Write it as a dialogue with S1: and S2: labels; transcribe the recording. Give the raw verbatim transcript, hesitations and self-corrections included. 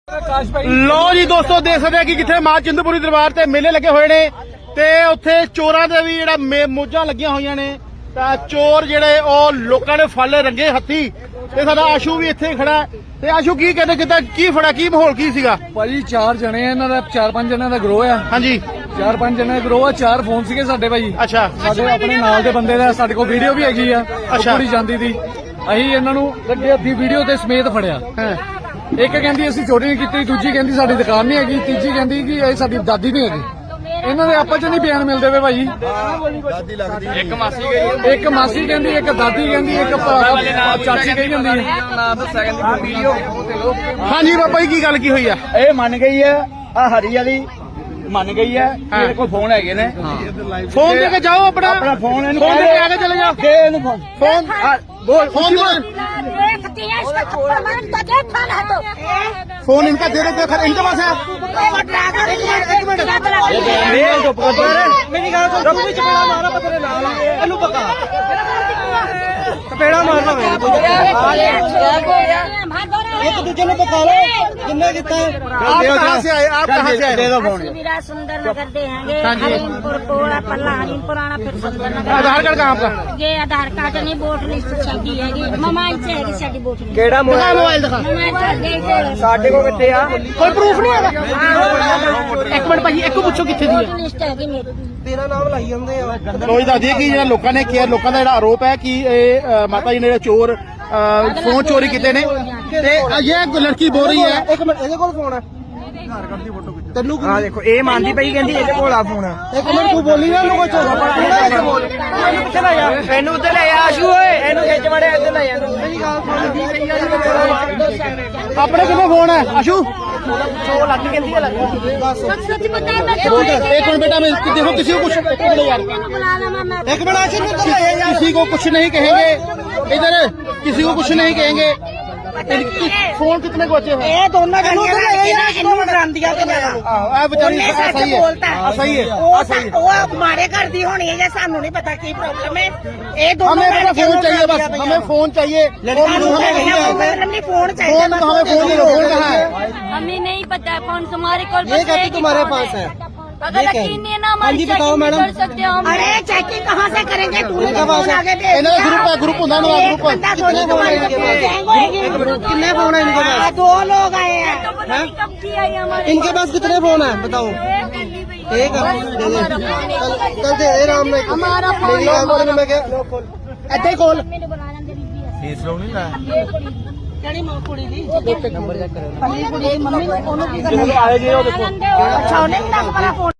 S1: ਲੋ ਜੀ ਦੋਸਤੋ, ਦੇਖ ਸਕਦੇ ਕਿ ਕਿੱਥੇ ਮਾਂ ਚਿੰਤਪੁਰਨੀ ਦਰਬਾਰ ਤੇ ਮੇਲੇ ਲੱਗੇ ਹੋਏ ਨੇ ਤੇ ਉੱਥੇ ਚੋਰਾਂ ਦੇ ਵੀ ਜਿਹੜਾ ਮੋਜਾਂ ਲੱਗੀਆਂ ਹੋਈਆਂ ਨੇ। ਤਾਂ ਚੋਰ ਜਿਹੜੇ ਉਹ ਲੋਕਾਂ ਨੇ ਫਾਲੇ ਰੰਗੇ ਹੱਥੀ ਤੇ ਸਾਡਾ ਆਸ਼ੂ ਵੀ ਇੱਥੇ ਖੜਾ। ਤੇ ਆਸ਼ੂ ਕੀ ਕਹਿੰਦੇ, ਕਿੱਦਾਂ ਕੀ ਫੜਾ, ਕੀ ਮਾਹੌਲ ਕੀ ਸੀਗਾ?
S2: ਭਾਜੀ ਚਾਰ ਜਣੇ ਆ, ਇਹਨਾਂ ਦਾ ਚਾਰ ਪੰਜ ਜਣਿਆਂ ਦਾ ਗਰੋਹ ਆ।
S1: ਹਾਂਜੀ,
S2: ਚਾਰ ਪੰਜ ਜਣੇ ਦਾ ਗਰੋਹ ਆ। ਚਾਰ ਫੋਨ ਸੀਗੇ ਸਾਡੇ ਭਾਜੀ।
S1: ਅੱਛਾ,
S2: ਸਾਡੇ ਆਪਣੇ ਨਾਲ ਦੇ ਬੰਦੇ ਦਾ ਸਾਡੇ ਕੋਲ ਵੀਡੀਓ ਵੀ ਹੈਗੀ ਆ ਕੁੜੀ ਜਾਂਦੀ ਦੀ। ਅਸੀਂ ਇਹਨਾਂ ਨੂੰ ਲੱਗੇ ਹੱਥੀ ਵੀਡੀਓ ਤੇ ਸਮੇਤ ਫੜਿਆ। ਇੱਕ ਕਹਿੰਦੀ ਅਸੀਂ ਚੋਰੀ ਨਹੀਂ ਕੀਤੀ, ਦੂਜੀ ਕਹਿੰਦੀ ਸਾਡੀ ਦੁਕਾਨ ਨਹੀਂ ਹੈਗੀ, ਤੀਜੀ ਕਹਿੰਦੀ ਕਿ ਇਹ ਸਾਡੀ ਦਾਦੀ ਨਹੀਂ ਹੈਗੀ। ਇਹਨਾਂ ਦੇ ਆਪਸ ਚ ਨਹੀਂ ਬਿਆਨ ਮਿਲਦੇ ਵੇ ਭਾਈ।
S1: ਇੱਕ ਮਾਸੀ ਗਈ,
S2: ਇੱਕ ਮਾਸੀ ਕਹਿੰਦੀ, ਇੱਕ ਦਾਦੀ ਕਹਿੰਦੀ, ਇੱਕ ਚਾਚੀ ਕਹੀ ਜਾਂਦੀ ਹੈ।
S1: ਹਾਂਜੀ ਬਾਬਾ ਜੀ, ਕੀ ਗੱਲ ਕੀ ਹੋਈ ਆ?
S3: ਇਹ ਮੰਨ ਗਈ ਹੈ, ਆ ਹਰੀ ਵਾਲੀ ਮੰਨ ਗਈ ਹੈ। ਮੇਰੇ ਕੋਲ ਫੋਨ ਹੈਗੇ ਨੇ,
S1: ਫੋਨ ਦੇ ਕੇ ਜਾਓ ਆਪਣਾ
S3: ਆਪਣਾ ਫੋਨ ਇਹਨੂੰ
S1: ਫੋਨ ਦੇ ਕੇ ਆ ਕੇ ਚਲੇ ਜਾਓ।
S3: ਦੇ ਇਹਨੂੰ ਫੋਨ
S1: ਫੋਨ
S3: बोल
S1: फोन
S4: देखती है इसका थप्पड़ मार तो देखा ना तो
S1: फोन इनका दे दे, इनके पास है।
S3: मेरी गल सुन, भी चपेड़ा मारा पत्थर नाल ਇਹਨੂੰ ਪਕਾ ਚਪੇੜਾ ਮਾਰਨਾ ਮੇਰੇ एक दूसरे ने पका लो जिन्ने कितना।
S1: आप कहाँ से आए? आप कहाँ से आए?
S3: दे दो फोन।
S4: सुंदर नगर दे हैं हरीमपुर कोड़ा पल्ला हरीमपुर आना फिर सुंदर नगर।
S1: आधार कार्ड कहाँ आपका?
S4: ये आधार कार्ड नहीं, वोट लिस्ट छाती है मोबाइल से है साडी वोट लिस्ट।
S3: ਕਿਹੜਾ
S1: दिखा मोबाइल दिखा।
S4: मोबाइल
S3: ਸਾਡੇ ਕੋਲ ਕਿੱਥੇ ਆ?
S1: कोई प्रूफ नहीं है। एक मिनट भाई, एक पूछो कितने दी है?
S4: लिस्ट है मेरी।
S3: ਤੇਰਾ ਨਾਮ ਲਾਈ ਜਾਂਦੇ ਆ।
S1: ਲੋਈ ਦੱਸਦੀ ਹੈ ਕਿ ਜਿਹੜਾ ਲੋਕਾਂ ਨੇ ਕਿਹਾ, ਲੋਕਾਂ ਦਾ ਜਿਹੜਾ ਆਰੋਪ ਹੈ ਕਿ ਇਹ ਅ, ਮਾਤਾ ਜੀ ਨੇ ਜਿਹੜੇ ਚੋਰ ਅ, ਫੋਨ ਚੋਰੀ ਕੀਤੇ ਨੇ ਤੇ ਇਹ ਲੜਕੀ ਬੋਲ ਰਹੀ ਹੈ।
S3: ਇੱਕ ਮਿੰਟ, ਇਹਦੇ ਕੋਲ ਫੋਨ ਹੈ ਤੈਨੂੰ? ਆ ਦੇਖੋ, ਇਹ ਮੰਨਦੀ ਪਈ, ਕਹਿੰਦੀ ਇਹਦੇ ਕੋਲ ਆ ਫੋਨ। ਇੱਕ ਮਿੰਟ ਤੂੰ ਬੋਲੀ ਨਾ, ਲੋਕੋ ਚੋਰਾ ਪੜਾ ਬੋਲ। ਇਹਨੂੰ ਕਿੱਥੇ ਲੈ ਜਾ, ਇਹਨੂੰ ਉੱਤੇ ਲੈ ਆ ਆਸ਼ੂ ਓਏ, ਇਹਨੂੰ ਖਿੱਚ ਮੜੇ ਇੱਥੇ ਲੈ ਜਾ। ਮੇਰੀ ਗੱਲ ਸੁਣ,
S1: ਆਪਣੇ ਕਿੰਨੇ ਫੋਨ ਹੈ ਆਸ਼ੂ?
S3: ਸੌ ਲੱਗ ਕਹਿੰਦੀ ਹੈ ਲੱਗ।
S4: सच सच बता मैं
S1: एक मिनट बेटा, मैं देखो किसी को कुछ एक मिनट यार,
S4: बुला ला मैं
S3: ਇੱਕ ਮਿੰਟ ਆਸ਼ੂ ਨੂੰ ਲੈ ਜਾ ਯਾਰ।
S1: किसी को कुछ नहीं कहेंगे इधर, किसी को कुछ नहीं कहेंगे। फोन कितने को बचे हैं?
S3: ਇਹ ਦੋਨਾਂ ਗੰਡੀਆਂ ਇਹਨੂੰ ਡਰਾਂਦੀਆਂ ਤੇ ਮੈਂ
S1: आ बेचारी सही है, आ, सही है, आ, सही है।
S5: ਉਹ ਮਾਰੇ ਕਰਦੀ ਹੋਣੀ ਹੈ ਜਾਂ ਸਾਨੂੰ ਨਹੀਂ ਪਤਾ ਕੀ ਪ੍ਰੋਬਲਮ ਹੈ। ਇਹ ਦੋਨੋਂ
S1: हमें अपना फोन चाहिए, बस हमें फोन चाहिए। फोन
S5: ਸਾਨੂੰ
S1: हमें नहीं है।
S5: नहीं फोन चाहिए
S1: फोन तो हमें फोन नहीं, फोन कहाँ है?
S4: हमें नहीं पता है फोन तुम्हारे कॉल
S3: ये कहती तुम्हारे पास है।
S4: अगर यकीन नहीं है ना हमारी
S3: हाँ जी, बताओ
S4: चेकिंग
S3: मैडम।
S4: कर सकते हो हम।
S5: अरे चेकिंग कहाँ से करेंगे? तूने तो फोन आगे दे
S1: इन्होंने ग्रुप है, ग्रुप होता है,
S5: एक
S1: ग्रुप
S5: बंदा थोड़ी तुम्हारे पास गैंग होएगी।
S3: कितने फोन है इनके पास?
S5: हाँ, दो लोग आए हैं।
S4: तो पता नहीं कब किया ये हमारे
S3: इनके पास कितने फोन है बताओ? एक है, दे दे। चल दे दे राम ने।
S4: हमारा
S3: मेरी
S4: फोन
S3: गल सुन, मैं क्या ਇੱਥੇ ਕੋਲ
S4: मैंने बनाना गरीबी है।
S3: ਫੀਸ ਲਾਉਣੀ ਨਾ।
S5: ਕਿਹੜੀ ਮਾਂ ਕੁੜੀ ਦੀ
S3: ਨੰਬਰ ਚੈੱਕ ਕਰੋ।
S5: ਪੱਲੀ ਕੁੜੀ ਦੀ ਮੰਮੀ ਨੂੰ ਉਹਨੂੰ ਕੀ ਕਰਨਾ?
S1: आए जी, वो देखो।
S5: ਅੱਛਾ ਉਹਨੇ ਵੀ ਤੱਕ ਮੇਰਾ ਫੋਨ